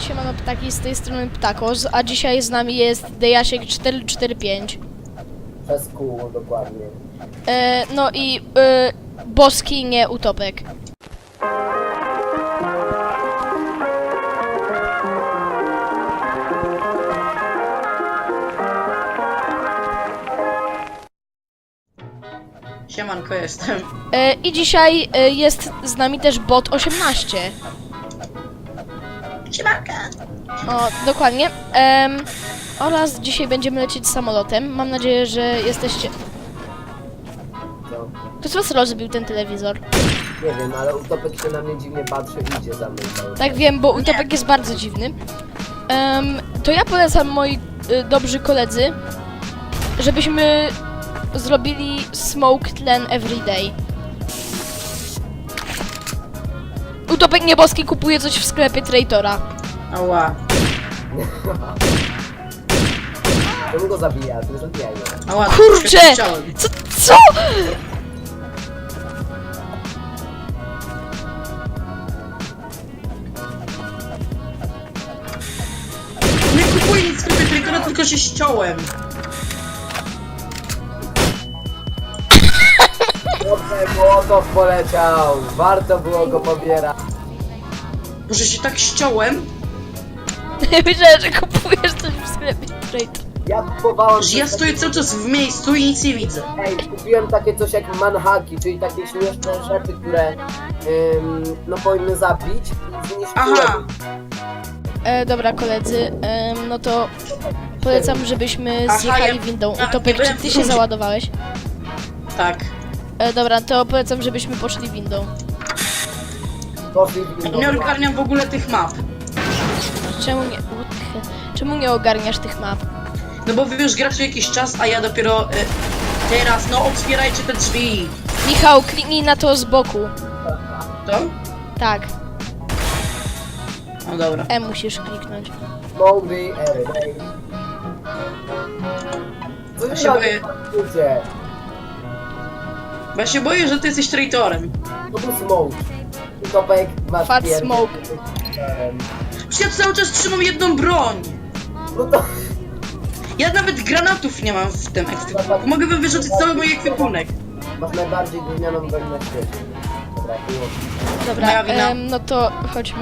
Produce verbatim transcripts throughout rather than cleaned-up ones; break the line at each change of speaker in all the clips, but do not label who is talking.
siemano ptaki, z tej strony Ptakos, a dzisiaj z nami jest Dejasiek cztery cztery pięć.
Przez kół, dokładnie.
E, no i e, Boski, nie Utopek.
Siemanko, jestem.
E, I dzisiaj e, jest z nami też bot osiemnaście.
Siemanka!
O, dokładnie. Em, oraz dzisiaj będziemy lecieć samolotem. Mam nadzieję, że jesteście...
No,
Kto z was rozbił ten telewizor?
nie wiem, ale Utopek się na mnie dziwnie patrzy i idzie za mną cały czas.
Tak wiem, bo Utopek jest bardzo dziwny. Em, to ja polecam, moi y, dobrzy koledzy, żebyśmy zrobili smoke tlen everyday. Utopek nieboski kupuje coś w sklepie Traitora.
Ała.
Czemu go zabija? To zabijaj go.
Ała,
Kurczę!
chciałem.
Co? Co?
Nie kupuję nic w sklepie Traitora, tylko się ściąłem.
Dobrze, Młotow poleciał! Warto było go pobierać.
Może się tak ściąłem,
Myślałem, że kupujesz coś w sklepie Traitor.
Ja kupowałem...
że ja
coś
stoję cały czas w miejscu i nic nie widzę.
Ej, kupiłem takie coś jak manhaki, czyli takie śmieszne rzeczy, które ym, no powinny zabić i zniszczyłem.
Aha!
E, dobra koledzy, em, no to polecam, żebyśmy
Aha,
zjechali
ja-
windą.
ja
Utopek,
nie
czy
byłem
ty
w
się
rundzie.
załadowałeś?
Tak.
E, dobra, to polecam, żebyśmy poszli windą.
Poszli w windą.
Nie ogarniam w ogóle tych map.
Czemu nie... what the hell? Czemu nie ogarniasz tych map?
No bo wy już gracie jakiś czas, a ja dopiero y, teraz, no otwierajcie te drzwi.
Michał, kliknij na to z boku.
To?
Tak,
No dobra.
E musisz kliknąć.
Mowgli, everyday. Co
Ja
wy
się boję.
robicie?
Bo ja się boję, że ty jesteś traitorem.
To był smoke. Utopek, masz
Fat
pierdol.
smoke.
Em,
Przecież ja cały czas trzymam jedną broń.
No to...
Ja nawet granatów nie mam w tym ekwipunku. Mogę wam wyrzucić cały mój ekwipunek.
Masz najbardziej gównianą broń na świecie. Dobra, było.
Dobra,
Moja wina.
em, no to chodźmy.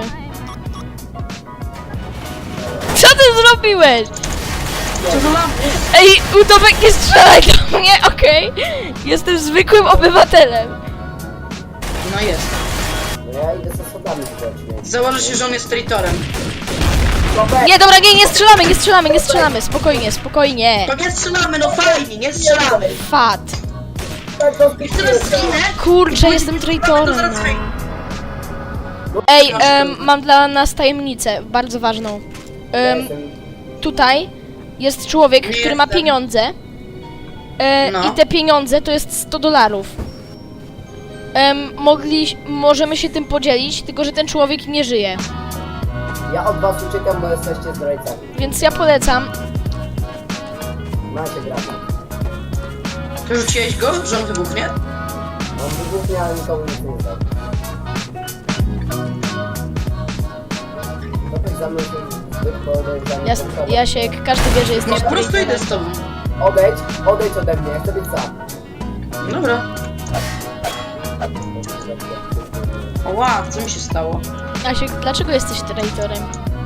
Co ty zrobiłeś?
Co za lampy?
Ej, Utopek, nie strzelaj do mnie, okej? Jestem zwykłym obywatelem.
No jest.
No ja idę ze schodami społecznymi.
Założę się, że on jest traitorem.
Utopek!
Nie, dobra, nie, nie strzelamy, nie strzelamy, nie strzelamy. Spokojnie, spokojnie.
To nie strzelamy, no fajnie, nie strzelamy.
Fat.
Tak, to
I teraz zginę.
Kurczę, jestem
To
traitorem.
zaraz
No.
wej-
Ej, em, mam dla nas tajemnicę, bardzo ważną.
Ja
Em,
jestem...
tutaj jest człowiek,
Nie
który ma
jestem.
pieniądze. E,
No.
I te pieniądze to jest sto dolarów. Em, mogli, możemy się tym podzielić, tylko że ten człowiek nie żyje.
Ja od was uciekam, bo jesteście zdrajcami.
Więc ja polecam.
Macie granat.
Wyrzuciłeś go, że on wybuchnie?
Mam wybuchnie, ale nikomu nic nie da. Utopek za mną się zbyt podejrzany.
Jas, Jasiek, każdy wie, że
No
jesteś
po prostu idę
traitorem.
z tobą.
Odejdź, odejdź ode mnie, ja chcę być sam.
Dobra. Oła, co mi się stało?
Jasiek, dlaczego jesteś traitorem?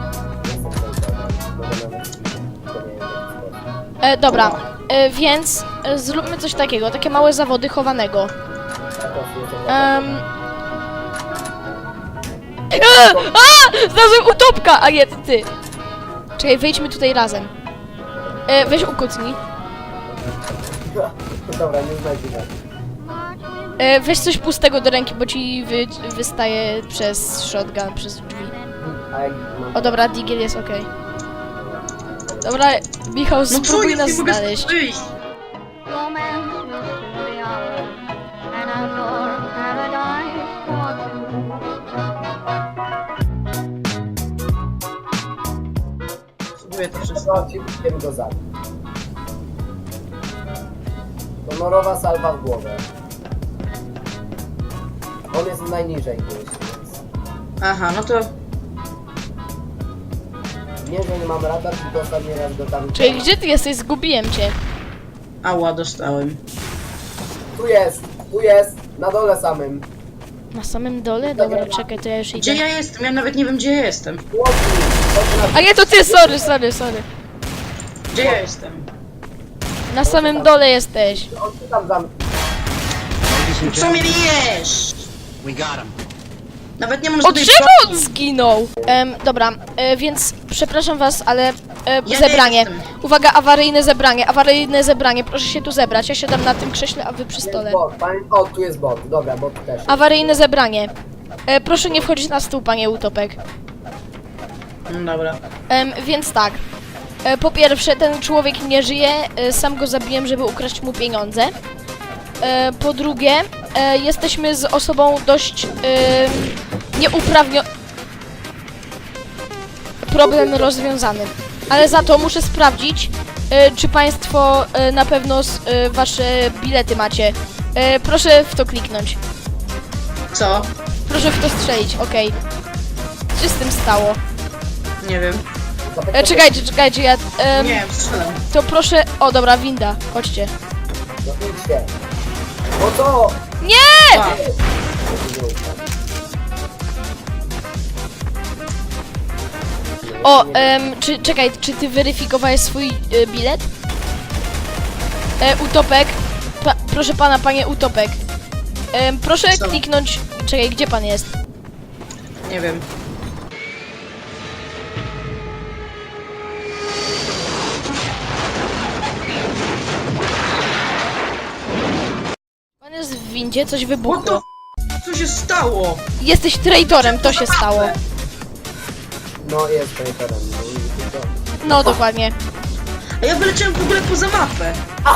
E, dobra, e, więc e, zróbmy coś takiego, takie małe zawody chowanego. Em... E, a! Znalazłem Utopka! A nie, to ty. Czekaj, wyjdźmy tutaj razem. E, weź ukucnij.
Dobra, nie znajdzie nas.
E, weź coś pustego do ręki, bo ci wy, wystaje przez shotgun, przez drzwi.
A jak mam...
O dobra, Digiel jest okej. Dobra, Michał,
No co,
spróbuj
ja
nas
nie mogę
znaleźć.
stąd wyjść.
Romance will soon be ours, and outdoor paradise for two.
Spróbuję to wszystko.
Zobaczcie, wiem go zabić. Honorowa salwa w głowę. On jest najniżej gdzieś, więc...
Aha, no to
Nie, że nie mam radar, tylko ostatni raz go tam...
Czyli gdzie ty jesteś? Zgubiłem cię.
Ała, dostałem.
Tu jest, tu jest, na dole samym.
Na samym dole? Dobra, czekaj, to ja już
Gdzie
idę.
ja jestem? Ja nawet nie wiem, gdzie ja jestem.
Chłopcy, chodź na...
A nie, to ty, sorry, sorry, sorry.
Gdzie ja jestem?
Na samym dole jesteś.
On ty tam zam...
Co mnie bijesz?
We got him.
Nawet nie mam
O,
żadnej
drzewo
broni.
on zginął! Em, dobra, e, więc przepraszam was, ale e,
Ja
zebranie.
nie jestem.
Uwaga, awaryjne zebranie, awaryjne zebranie. Proszę się tu zebrać. Ja siadam na tym krześle, a wy przy
Jest
stole.
bot, pamię... O, tu jest bot, dobra, bot też.
Awaryjne zebranie. E, proszę nie wchodzić na stół, panie Utopek.
No dobra.
Em, więc tak. E, po pierwsze, ten człowiek nie żyje. E, sam go zabiłem, żeby ukraść mu pieniądze. E, po drugie, e, jesteśmy z osobą dość e, nieuprawnioną. Problem rozwiązany. Ale za to muszę sprawdzić, e, czy państwo e, na pewno s- e, wasze bilety macie. E, proszę w to kliknąć.
Co?
Proszę w to strzelić, okej. Co się z tym stało?
Nie wiem.
E, czekajcie, czekajcie, ja... em,
Nie wiem, strzelam.
To proszę... O, dobra, winda. Chodźcie.
No idźcie. No co?
Nie!
A,
O, em, czy, czekaj, czy ty weryfikowałeś swój e, bilet? E, Utopek. Pa, proszę pana, panie Utopek. Em, proszę
Co?
kliknąć... Czekaj, gdzie pan jest?
nie wiem.
Pan jest w windzie, coś
What the
wybuchło.
f- Co się stało?
Jesteś traitorem, to się stało.
No jest traitorem, no i tylko...
No, dokładnie.
A ja wyleciałem w ogóle poza mapę.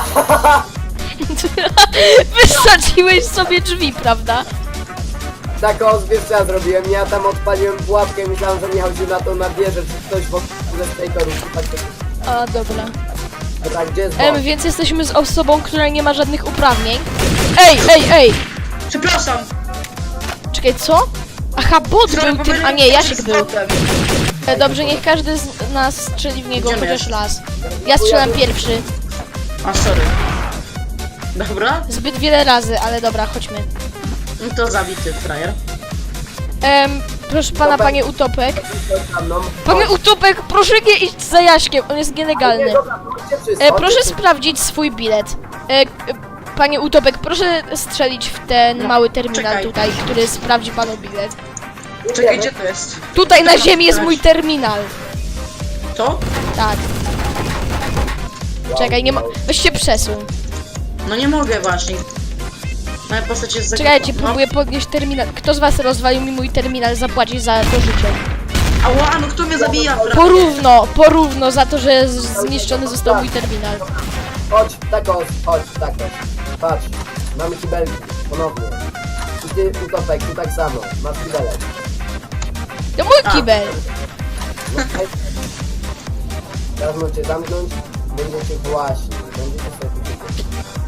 Wysadziłeś sobie drzwi, prawda?
Tak o, wiesz co ja zrobiłem? Ja tam odpaliłem pułapkę i myślałem, że Michał się na to nabierze, czy ktoś w ogóle z traitorów. Tak,
A, dobra.
tak, gdzie jest
Em,
bot?
więc jesteśmy z osobą, która nie ma żadnych uprawnień. Ej, ej, ej!
Przepraszam.
Czekaj, co? Aha, bot był tym, a nie, Jasiek był. E, dobrze, niech każdy z nas strzeli w niego
Idziemy,
chociaż
Jasiek.
raz. Ja strzelam pierwszy.
A, sorry. Dobra,
Zbyt wiele razy, ale dobra, chodźmy.
no to zabity frajer.
Em, proszę pana, panie Utopek.
Chodź za mną.
Panie Utopek, proszę nie iść za Jaśkiem, on jest nielegalny.
Nie, dobra, chodźcie wszyscy,
E,
chodźcie
proszę
wszyscy.
sprawdzić swój bilet. E, k- panie Utopek, proszę strzelić w ten
No,
mały terminal
czekaj.
tutaj, który sprawdzi panu bilet.
Czekaj, gdzie to jest?
Tutaj na ziemi jest mój terminal.
To?
Tak, czekaj, nie ma... Weź się przesuń.
No nie mogę właśnie. Moja postać jest za...
Czekajcie,
no.
próbuję podnieść terminal. Kto z was rozwalił mi mój terminal, zapłaci za to życie.
Ała, no kto mnie zabija? frajer?
Porówno, porówno za to, że z- zniszczony został mój terminal.
Chodź, tak o, chodź, tak o. Patrz, mamy kibelki, ponownie. I ty, Utopek, tu tak samo, masz kibelek.
To mój kibel.
No, hej. Teraz możecie zamknąć, będziecie właśnie, będziecie sobie tu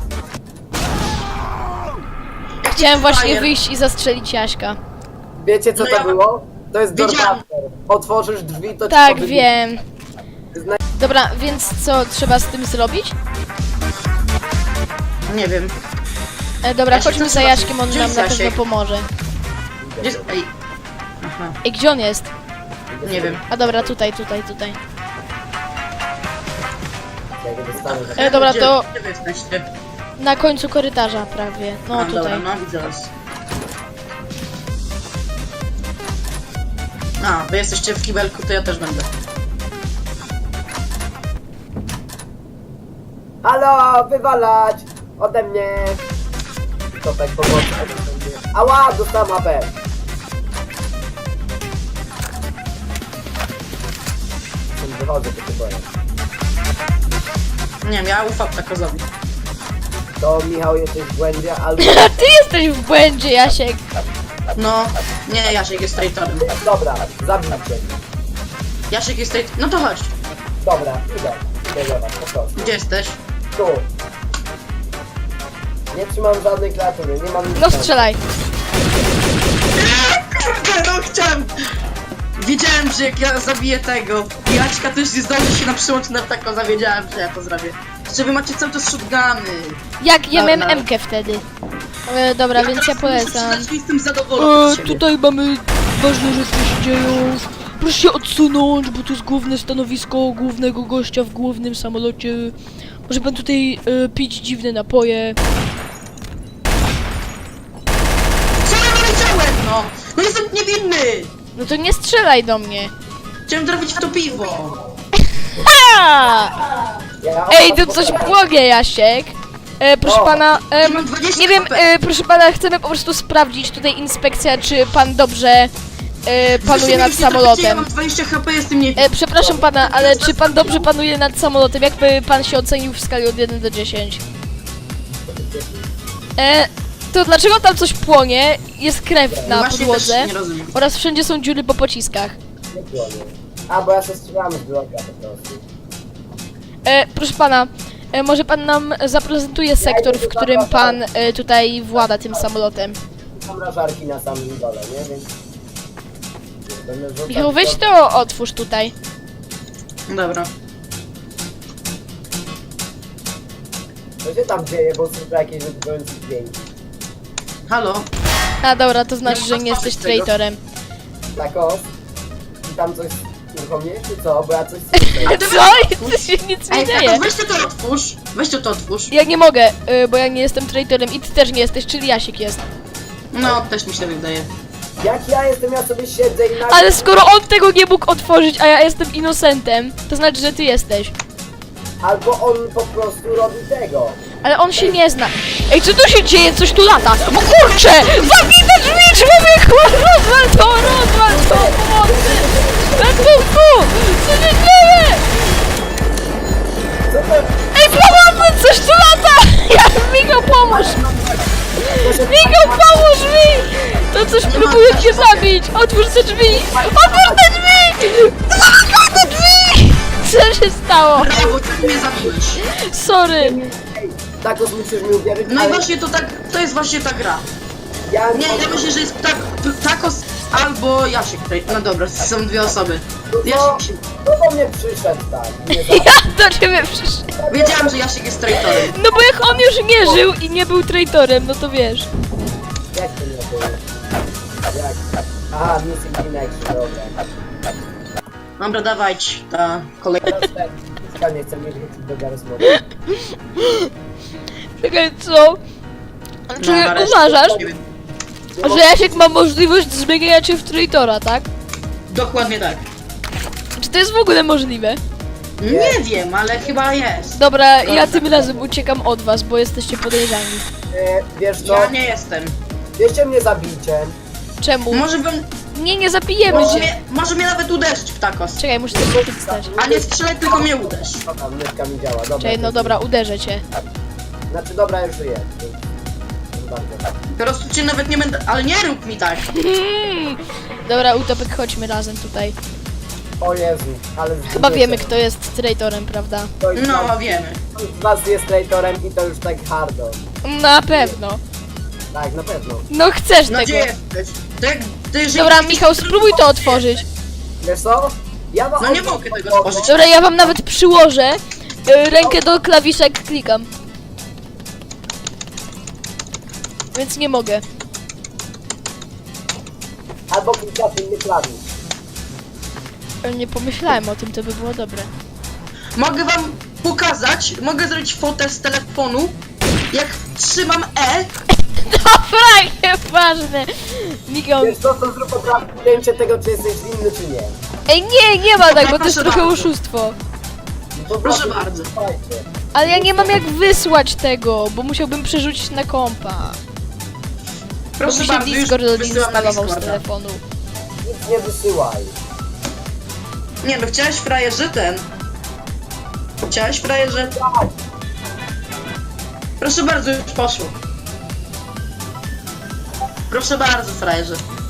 Chciałem właśnie
Fire.
wyjść i zastrzelić Jaśka.
Wiecie co
No
to
ja-
było? To jest
Wiedziałem.
Doorbuster. Otworzysz drzwi, to ci
Tak,
to wybuchnie.
wiem.
Zna-
Dobra, więc co trzeba z tym zrobić?
Nie wiem.
E, dobra,
Ja się
chodźmy
chcę
za
zobaczyć,
Jaśkiem, on
gdzie
nam
jest
na pewno
Jasiek?
pomoże.
Gdzie... Ej. Aha,
Ej, gdzie on jest?
nie wiem.
A dobra, tutaj, tutaj, tutaj.
Jak go dostanę, tak-
E, dobra,
Gdzie-
to
Gdzie wy jesteście?
na końcu korytarza prawie. No
A,
tutaj.
dobra, no widzę was. A, wy jesteście w kibelku, to ja też będę.
Halo, wywalać! Ode mnie! Utopek, pomocy. Ała, dostałem A P. Wychodzę, to się boję.
Nie wiem, ja ufam takozowi.
To Michał jesteś w błędzie, albo...
A ty jesteś w błędzie, Jasiek.
No, nie, Jasiek jest traitorem.
Dobra, zabijcie.
Jasiek jest traitorem. No to chodź.
Dobra, idę. Idę do was, po prostu.
Gdzie jesteś?
Tu. Nie trzymam żadnej klawiatury, nie mam nic.
No strzelaj.
No chciałem! Widziałem wiedziałem, że jak ja zabiję tego Jaćka, to już nie zdąży się na przyłącz na tako, zawiedziałem, że ja to zrobię. Że wy macie cały czas shotguny.
Jak ja miałem
Dobra.
M-kę wtedy. E, dobra, więc ja
teraz muszę
polecam.
przyznać, że jestem zadowolony z siebie.
tutaj mamy ważne rzeczy się dzieją. Proszę się odsunąć, bo to jest główne stanowisko głównego gościa w głównym samolocie. Może pan tutaj e, pić dziwne napoje.
Co ja powiedziałem, no? No jestem niewinny!
No to nie strzelaj do mnie.
Chciałem trafić w to piwo.
A!
Ja
Ej, to coś płonie, Jasiek. E, proszę
O,
pana, em,
mam dwadzieścia
nie wiem,
H P.
e, proszę pana, chcemy po prostu sprawdzić tutaj inspekcja, czy pan dobrze e, panuje nad
Zresztą Ja
samolotem.
mam dwadzieścia H P, jestem niewinny.
E, przepraszam pana, ale czy pan dobrze panuje nad samolotem? Jakby pan się ocenił w skali od jeden do dziesięciu? E, to dlaczego tam coś płonie? Jest krew na
Właśnie
podłodze
też nie rozumiem.
oraz wszędzie są dziury po pociskach.
Nie płonie. A, bo ja się strzelam z bloka po prostu.
E, proszę pana, e, może pan nam zaprezentuje sektor, w którym pan e, tutaj włada tym samolotem.
Mam rażarki na samym dole, nie? Więc... Będę rzucał
Michał, weź
to-
to otwórz tutaj.
Dobra.
Co się tam dzieje, bo słyszę jakieś wybrające dźwięki.
Halo?
A dobra, to znaczy, że nie jesteś traitorem.
Tak o. I tam coś uruchomiłeś, czy co? Bo ja coś słyszę.
Co? I to się nic nie
Ej,
dzieje.
Tato, weź to to otwórz. Weź to to otwórz.
Ja nie mogę, y, bo ja nie jestem traitorem i ty też nie jesteś, czyli Jasiek jest.
No, też mi się wydaje.
Jak ja jestem, ja sobie siedzę i nagle...
Ale skoro on tego nie mógł otworzyć, a ja jestem innocentem, to znaczy, że ty jesteś.
Albo on po prostu robi tego.
Ale on się nie zna. Ej, co tu się dzieje? Coś tu lata. O kurcze! Zamknij te drzwi, człowieku! Rozwal to, rozwal to! Pomocy! Ratunku! Co się dzieje?
Co to?
Ej, pomocy! Coś tu lata! Ja, Michał, pomóż! Michał, pomóż mi! To coś próbuje cię zabić! Otwórz te drzwi! Otwórz te drzwi! Otwórz te drzwi! Co się stało?
Brawo, ty mnie zabiłeś.
Sorry.
Ej, tak musisz mi uwierzyć,
No i
ale
właśnie to tak, to jest właśnie ta gra.
ja
Nie, ja myślę, że jest tak, Takos albo Jasiek tutaj. No dobra, są dwie osoby.
No,
Jasiek się...
kto do mnie przyszedł tak? Nie za...
Ja do ciebie przyszedłem.
Wiedziałem, że Jasiek jest traitorem.
No bo jak on już nie żył i nie był traitorem, no to wiesz.
Jak to nie było? Jak? Aha, Missing in Action, dobra.
Dobra, dawać ta kolejna.
Teraz ten, Fiska nie chce mnie wrócić do Garry's Modu.
Czekaj, co? Czy
No, nareszcie.
uważasz,
Nie wiem.
że Jasiek ma możliwość zmieniania cię w traitora, tak?
Dokładnie tak.
Czy to jest w ogóle możliwe?
Nie wiem, ale chyba jest.
Dobra, ja tym razem uciekam od was, bo jesteście podejrzani.
E, wiesz co?
Ja nie jestem.
Wieście mnie zabijcie.
Czemu?
Może bym...
Nie, nie zabijemy
Może
cię.
mnie, może mnie nawet uderzyć w takos.
Czekaj, muszę to przeczytać.
A nie strzelaj, tylko mnie uderz.
O tam, myszka mi działa, dobra.
Czekaj, no dobra, uderzę cię.
Znaczy dobra, już żyję. Bardzo.
Po prostu cię nawet nie będę... Ale nie rób mi tak.
Hmm. Dobra, Utopek, chodźmy razem tutaj.
O Jezu, ale...
Chyba wiemy, kto jest traitorem, prawda?
No, wiemy.
Ktoś z was jest traitorem i to już tak hardo.
Na pewno.
Tak, na pewno.
No chcesz
No
tego.
gdzie jesteś? To jak... To jeżeli...
Dobra, Michał, spróbuj to otworzyć.
Wiesz co? Ja wam
No nie mogę tego stworzyć.
Dobra, ja wam nawet przyłożę. y, Rękę do klawiszek klikam. Więc nie mogę.
Albo klikasz inny klawisz.
Nie pomyślałem o tym, to by było dobre.
Mogę wam pokazać, mogę zrobić fotę z telefonu, jak trzymam E.
Dobra, nieważne. Michał.
Wiesz co, to zrób od razu zdjęcie tego, czy jesteś winny, czy nie.
Ej, nie, nie ma tak, bo to jest
Proszę
trochę
bardzo.
oszustwo.
No to
Proszę
właśnie,
bardzo.
słuchajcie.
Ale ja nie mam jak wysłać tego, bo musiałbym przerzucić na kompa. Bo
Proszę
mi się
bardzo, już
Discord
wysyłam na
odinstalował z
Discorda.
telefonu.
Nic nie wysyłaj.
Nie no, chciałeś frajerze ten. Chciałeś frajerze? Proszę bardzo, już poszło. Proszę bardzo, frajerze.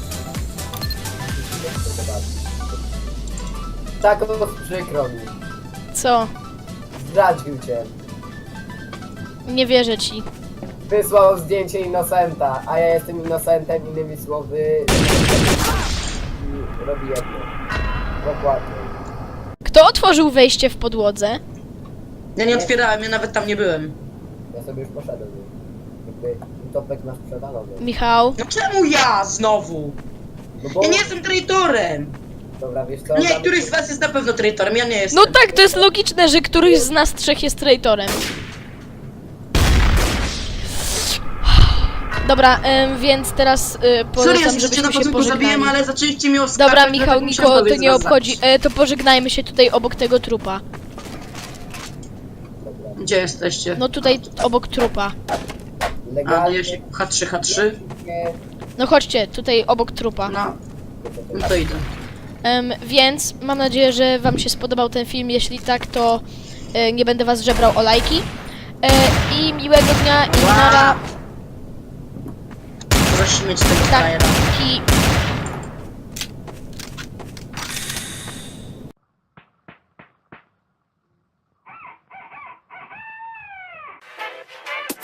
Tak, o, przykro mi.
Co?
Zdradził cię.
Nie wierzę ci.
Wysłał zdjęcie Innocenta, a ja jestem Innocentem, innymi słowy... I robi jedno. Dokładnie.
Kto otworzył wejście w podłodze?
Ja nie otwierałem, ja nawet tam nie byłem.
Ja sobie już poszedłem. Jakby utopek masz przewalony.
Michał?
No czemu ja znowu?
No bo...
Ja nie jestem traitorem!
Dobra, wiesz co?
Nie,
damy
któryś
ci-
z was jest na pewno traitorem, ja nie jestem.
No tak, to jest logiczne, że któryś z nas trzech jest traitorem. Dobra, em, więc teraz y,
Sorry, ja
polecam,
się na
żebyśmy się
początku zabiłem,
pożegnali.
ale zaczęliście mi oskarżać.
Dobra, Michał,
dlatego musiałem
Niko, to
dowiedzieć
nie
was
obchodzi.
zaś.
E, to pożegnajmy się tutaj obok tego trupa.
Dobra.
Gdzie jesteście?
No tutaj obok trupa.
A,
Legalnie...
ja się H trzy, H trzy?
Nie...
No chodźcie, tutaj obok trupa.
No, no to idę.
Em, więc mam nadzieję, że wam się spodobał ten film. Jeśli tak, to e, nie będę was żebrał o lajki. E, I miłego dnia i nara.
Możesz mieć tego
Tak,
frajera.
i